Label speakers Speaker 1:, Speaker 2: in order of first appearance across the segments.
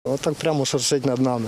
Speaker 1: Отак прямо шуршить над нами.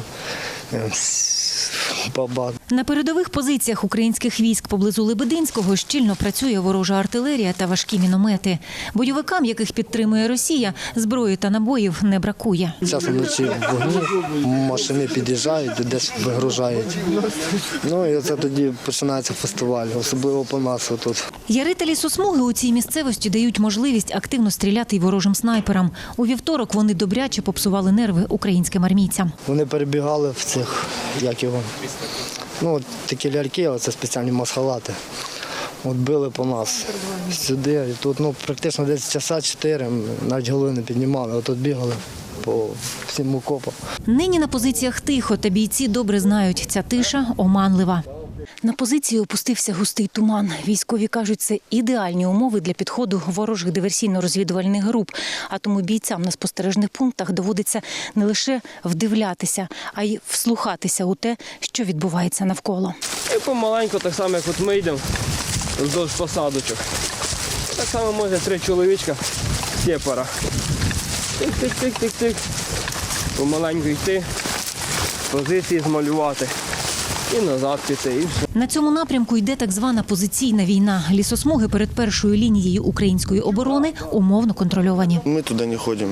Speaker 1: Баба.
Speaker 2: На передових позиціях українських військ поблизу Лебединського щільно працює ворожа артилерія та важкі міномети. Бойовикам, яких підтримує Росія, зброї та набоїв не бракує.
Speaker 1: Часом вночі вогні, машини під'їжджають, десь вигружають. Ну і оце тоді починається фестиваль, особливо по нас тут.
Speaker 2: Ярити лісосмуги у цій місцевості дають можливість активно стріляти й ворожим снайперам. У вівторок вони добряче попсували нерви українським армійцям.
Speaker 1: Вони перебігали в цих, як його, ну такі ляльки, це спеціальні масхалати. От били по нас сюди, і тут практично десь часа 4, навіть голови не піднімали, отут бігали по всім окопам.
Speaker 2: Нині на позиціях тихо, та бійці добре знають, ця тиша оманлива. На позиції опустився густий туман. Військові кажуть, це ідеальні умови для підходу ворожих диверсійно-розвідувальних груп. А тому бійцям на спостережних пунктах доводиться не лише вдивлятися, а й вслухатися у те, що відбувається навколо.
Speaker 3: І помаленьку, так само, як от ми йдемо вздовж посадочок. Так само може 3 чоловічка сепара. Тик-тик-тик-тик-тик. Помаленьку йти, позиції змалювати. І назад піти, і все.
Speaker 2: На цьому напрямку йде так звана позиційна війна. Лісосмуги перед першою лінією української оборони умовно контрольовані.
Speaker 4: Мы туда не ходим.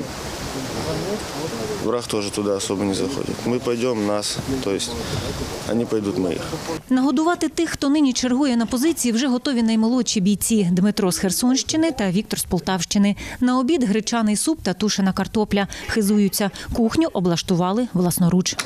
Speaker 4: Враг тоже туда особо не заходит. Мы пойдем, нас, то есть они пойдут моих.
Speaker 2: Нагодувати тих, хто нині чергує на позиції, вже готові наймолодші бійці – Дмитро з Херсонщини та Віктор з Полтавщини. На обід – гречаний суп та тушена картопля. Хизуються. Кухню облаштували власноруч.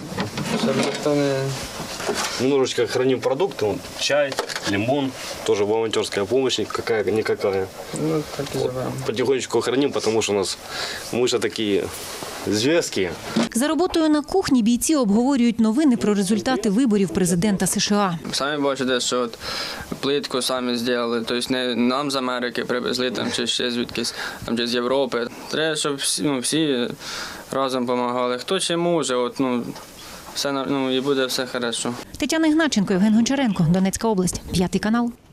Speaker 5: Немножечко храним продукты, чай, лимон, тоже волонтерская помощь какая-никакая.
Speaker 3: Ну, так і живемо.
Speaker 5: Потихонечку храним, потому что у нас мыши такие зверские.
Speaker 2: За роботою на кухні бійці обговорюють новини про результати виборів президента США.
Speaker 6: Самі бачите, що от плитку самі зробили, тобто не нам з Америки привезли там, чи ще звідкись, там, чи з Європи. Треба, щоб всі разом допомагали. Хто чи може, все, і буде все добре.
Speaker 2: Тетяна Ігначенко, Євген Гончаренко, Донецька область, 5 канал.